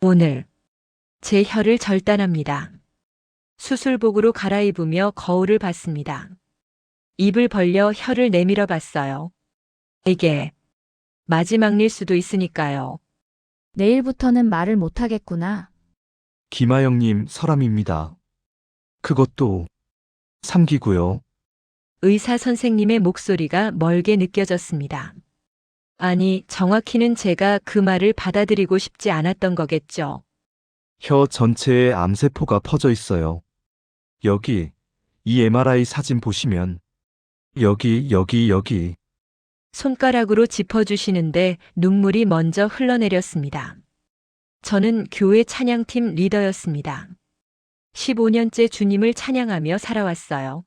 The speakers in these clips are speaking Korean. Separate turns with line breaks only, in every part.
오늘 제 혀를 절단합니다. 수술복으로 갈아입으며 거울을 봤습니다. 입을 벌려 혀를 내밀어 봤어요. 이게 마지막일 수도 있으니까요.
내일부터는 말을 못하겠구나.
김하영님 서람입니다. 그것도 3기고요.
의사 선생님의 목소리가 멀게 느껴졌습니다. 아니, 정확히는 제가 그 말을 받아들이고 싶지 않았던 거겠죠.
혀 전체에 암세포가 퍼져 있어요. 여기, 이 MRI 사진 보시면 여기.
손가락으로 짚어주시는데 눈물이 먼저 흘러내렸습니다. 저는 교회 찬양팀 리더였습니다. 15년째 주님을 찬양하며 살아왔어요.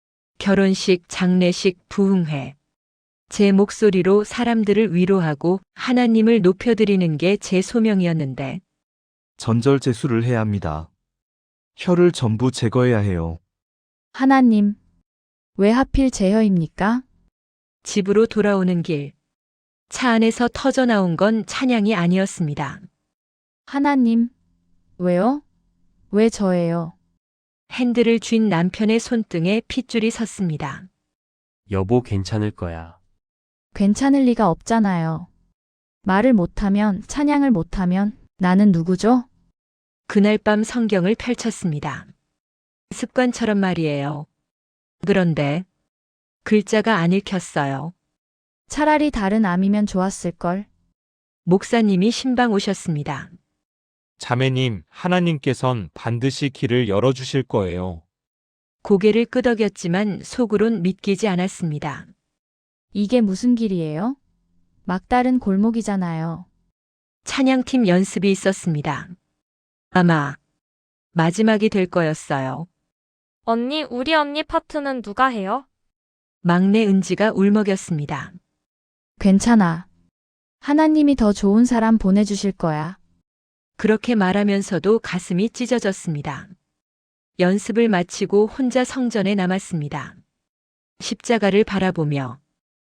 결혼식, 장례식, 부흥회. 제 목소리로 사람들을 위로하고 하나님을 높여드리는 게 제 소명이었는데
전절제수를 해야 합니다. 혀를 전부 제거해야 해요.
하나님, 왜 하필 제 혀입니까?
집으로 돌아오는 길. 차 안에서 터져 나온 건 찬양이 아니었습니다.
하나님, 왜요? 왜 저예요?
핸들을 쥔 남편의 손등에 핏줄이 섰습니다.
여보, 괜찮을 거야.
괜찮을 리가 없잖아요. 말을 못하면, 찬양을 못하면 나는 누구죠?
그날 밤 성경을 펼쳤습니다. 습관처럼 말이에요. 그런데 글자가 안 읽혔어요.
차라리 다른 암이면 좋았을걸.
목사님이 신방 오셨습니다.
자매님, 하나님께선 반드시 길을 열어주실 거예요.
고개를 끄덕였지만 속으론 믿기지 않았습니다.
이게 무슨 길이에요? 막다른 골목이잖아요.
찬양팀 연습이 있었습니다. 아마 마지막이 될 거였어요.
언니, 우리 언니 파트는 누가 해요?
막내 은지가 울먹였습니다.
괜찮아. 하나님이 더 좋은 사람 보내주실 거야.
그렇게 말하면서도 가슴이 찢어졌습니다. 연습을 마치고 혼자 성전에 남았습니다. 십자가를 바라보며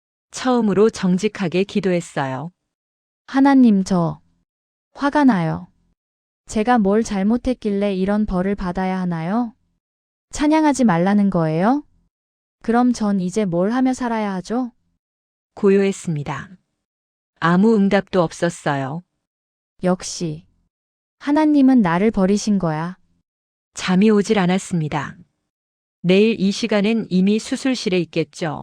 처음으로 정직하게 기도했어요.
하나님, 저 화가 나요. 제가 뭘 잘못했길래 이런 벌을 받아야 하나요? 찬양하지 말라는 거예요? 그럼 전 이제 뭘 하며 살아야 하죠?
고요했습니다. 아무 응답도 없었어요.
역시 하나님은 나를 버리신 거야.
잠이 오질 않았습니다. 내일 이 시간엔 이미 수술실에 있겠죠.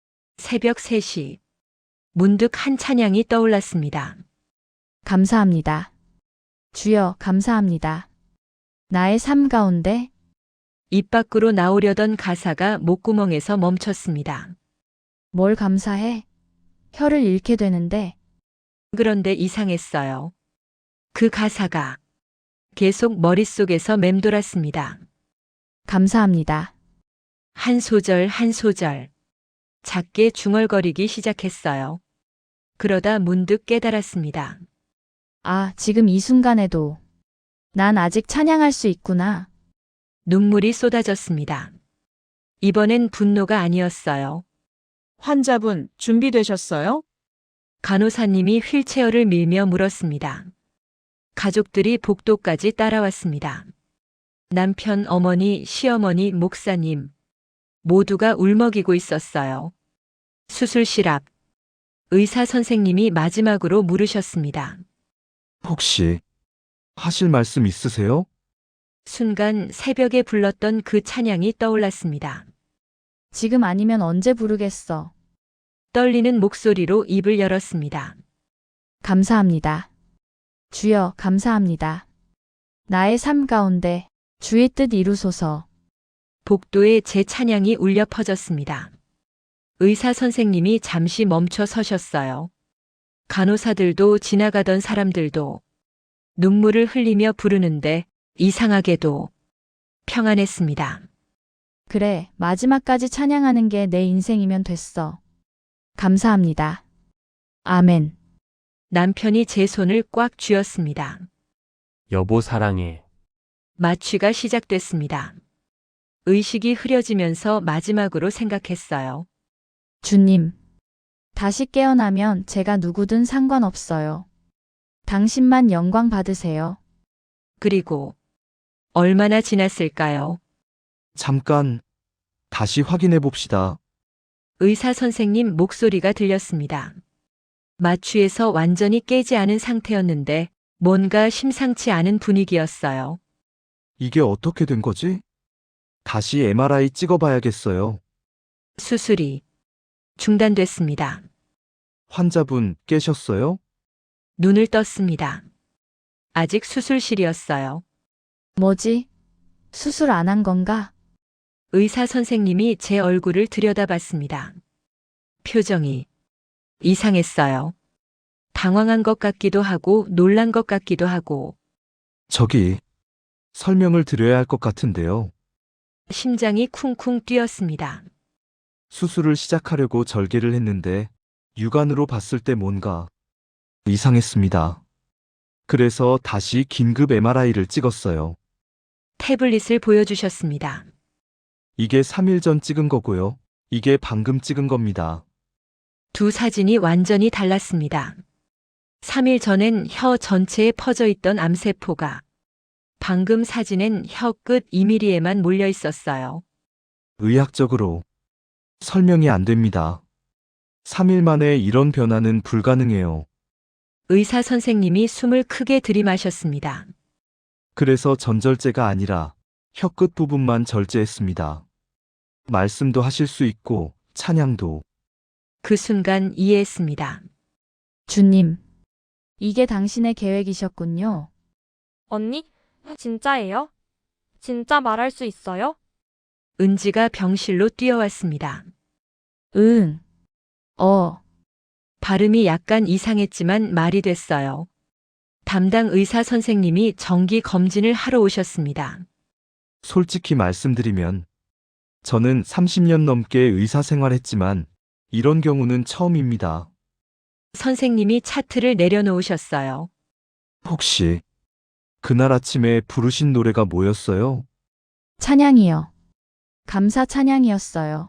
새벽 3시. 문득 한 찬양이 떠올랐습니다.
감사합니다. 주여, 감사합니다. 나의 삶 가운데
입 밖으로 나오려던 가사가 목구멍에서 멈췄습니다.
뭘 감사해? 혀를 잃게 되는데.
그런데 이상했어요. 그 가사가 계속 머릿속에서 맴돌았습니다.
감사합니다.
한 소절 한 소절. 작게 중얼거리기 시작했어요. 그러다 문득 깨달았습니다.
아, 지금 이 순간에도 난 아직 찬양할 수 있구나.
눈물이 쏟아졌습니다. 이번엔 분노가 아니었어요.
환자분 준비되셨어요?
간호사님이 휠체어를 밀며 물었습니다. 가족들이 복도까지 따라왔습니다. 남편, 어머니, 시어머니, 목사님 모두가 울먹이고 있었어요. 수술실 앞 의사 선생님이 마지막으로 물으셨습니다.
혹시 하실 말씀 있으세요?
순간 새벽에 불렀던 그 찬양이 떠올랐습니다.
지금 아니면 언제 부르겠어.
떨리는 목소리로 입을 열었습니다.
감사합니다. 주여, 감사합니다. 나의 삶 가운데 주의 뜻 이루소서.
복도에 제 찬양이 울려 퍼졌습니다. 의사 선생님이 잠시 멈춰 서셨어요. 간호사들도 지나가던 사람들도 눈물을 흘리며 부르는데 이상하게도 평안했습니다.
그래, 마지막까지 찬양하는 게 내 인생이면 됐어. 감사합니다. 아멘.
남편이 제 손을 꽉 쥐었습니다.
여보, 사랑해.
마취가 시작됐습니다. 의식이 흐려지면서 마지막으로 생각했어요.
주님, 다시 깨어나면 제가 누구든 상관없어요. 당신만 영광 받으세요.
그리고 얼마나 지났을까요?
잠깐, 다시 확인해 봅시다.
의사 선생님 목소리가 들렸습니다. 마취에서 완전히 깨지 않은 상태였는데 뭔가 심상치 않은 분위기였어요.
이게 어떻게 된 거지? 다시 MRI 찍어봐야겠어요.
수술이 중단됐습니다.
환자분 깨셨어요?
눈을 떴습니다. 아직 수술실이었어요.
뭐지? 수술 안 한 건가?
의사 선생님이 제 얼굴을 들여다봤습니다. 표정이 이상했어요. 당황한 것 같기도 하고 놀란 것 같기도 하고
저기, 설명을 드려야 할 것 같은데요.
심장이 쿵쿵 뛰었습니다.
수술을 시작하려고 절개를 했는데 육안으로 봤을 때 뭔가 이상했습니다. 그래서 다시 긴급 MRI를 찍었어요.
태블릿을 보여주셨습니다.
이게 3일 전 찍은 거고요. 이게 방금 찍은 겁니다.
두 사진이 완전히 달랐습니다. 3일 전엔 혀 전체에 퍼져 있던 암세포가 방금 사진엔 혀 끝 2mm에만 몰려 있었어요.
의학적으로 설명이 안 됩니다. 3일 만에 이런 변화는 불가능해요.
의사 선생님이 숨을 크게 들이마셨습니다.
그래서 전절제가 아니라 혀 끝 부분만 절제했습니다. 말씀도 하실 수 있고 찬양도.
그 순간 이해했습니다.
주님. 이게 당신의 계획이셨군요.
언니? 진짜예요? 진짜 말할 수 있어요?
은지가 병실로 뛰어왔습니다.
응.
발음이 약간 이상했지만 말이 됐어요. 담당 의사 선생님이 정기 검진을 하러 오셨습니다.
솔직히 말씀드리면 저는 30년 넘게 의사 생활했지만 이런 경우는 처음입니다.
선생님이 차트를 내려놓으셨어요.
혹시 그날 아침에 부르신 노래가 뭐였어요?
찬양이요. 감사 찬양이었어요.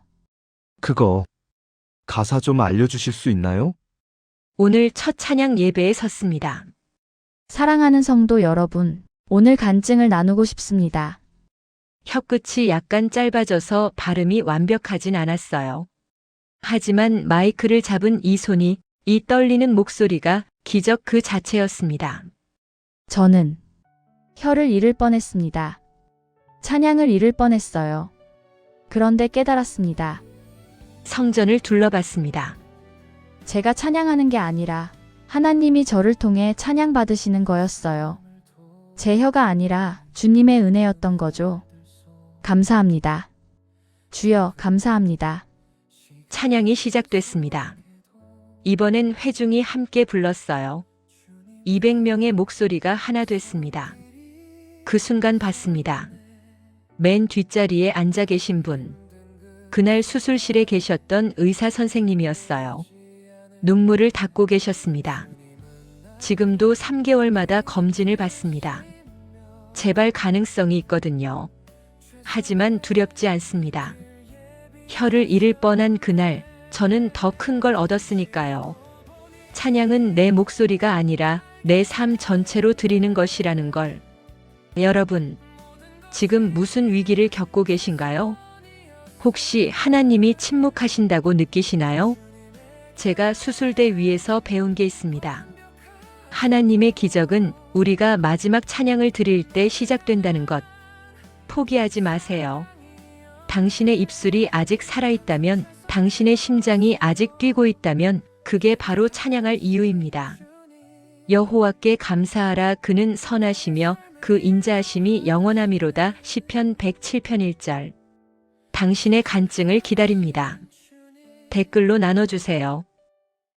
그거 가사 좀 알려주실 수 있나요?
오늘 첫 찬양 예배에 섰습니다.
사랑하는 성도 여러분, 오늘 간증을 나누고 싶습니다.
혀끝이 약간 짧아져서 발음이 완벽하진 않았어요. 하지만 마이크를 잡은 이 손이, 이 떨리는 목소리가 기적 그 자체였습니다.
저는 혀를 잃을 뻔했습니다. 찬양을 잃을 뻔했어요. 그런데 깨달았습니다.
성전을 둘러봤습니다.
제가 찬양하는 게 아니라 하나님이 저를 통해 찬양받으시는 거였어요. 제 혀가 아니라 주님의 은혜였던 거죠. 감사합니다. 주여, 감사합니다.
찬양이 시작됐습니다. 이번엔 회중이 함께 불렀어요. 200명의 목소리가 하나 됐습니다. 그 순간 봤습니다. 맨 뒷자리에 앉아 계신 분. 그날 수술실에 계셨던 의사 선생님이었어요. 눈물을 닦고 계셨습니다. 지금도 3개월마다 검진을 받습니다. 재발 가능성이 있거든요. 하지만 두렵지 않습니다. 혀를 잃을 뻔한 그날, 저는 더 큰 걸 얻었으니까요. 찬양은 내 목소리가 아니라 내 삶 전체로 드리는 것이라는 걸. 여러분, 지금 무슨 위기를 겪고 계신가요? 혹시 하나님이 침묵하신다고 느끼시나요? 제가 수술대 위에서 배운 게 있습니다. 하나님의 기적은 우리가 마지막 찬양을 드릴 때 시작된다는 것. 포기하지 마세요. 당신의 입술이 아직 살아있다면, 당신의 심장이 아직 뛰고 있다면 그게 바로 찬양할 이유입니다. 여호와께 감사하라. 그는 선하시며 그 인자하심이 영원하미로다. 시편 107편 1절. 당신의 간증을 기다립니다. 댓글로 나눠주세요.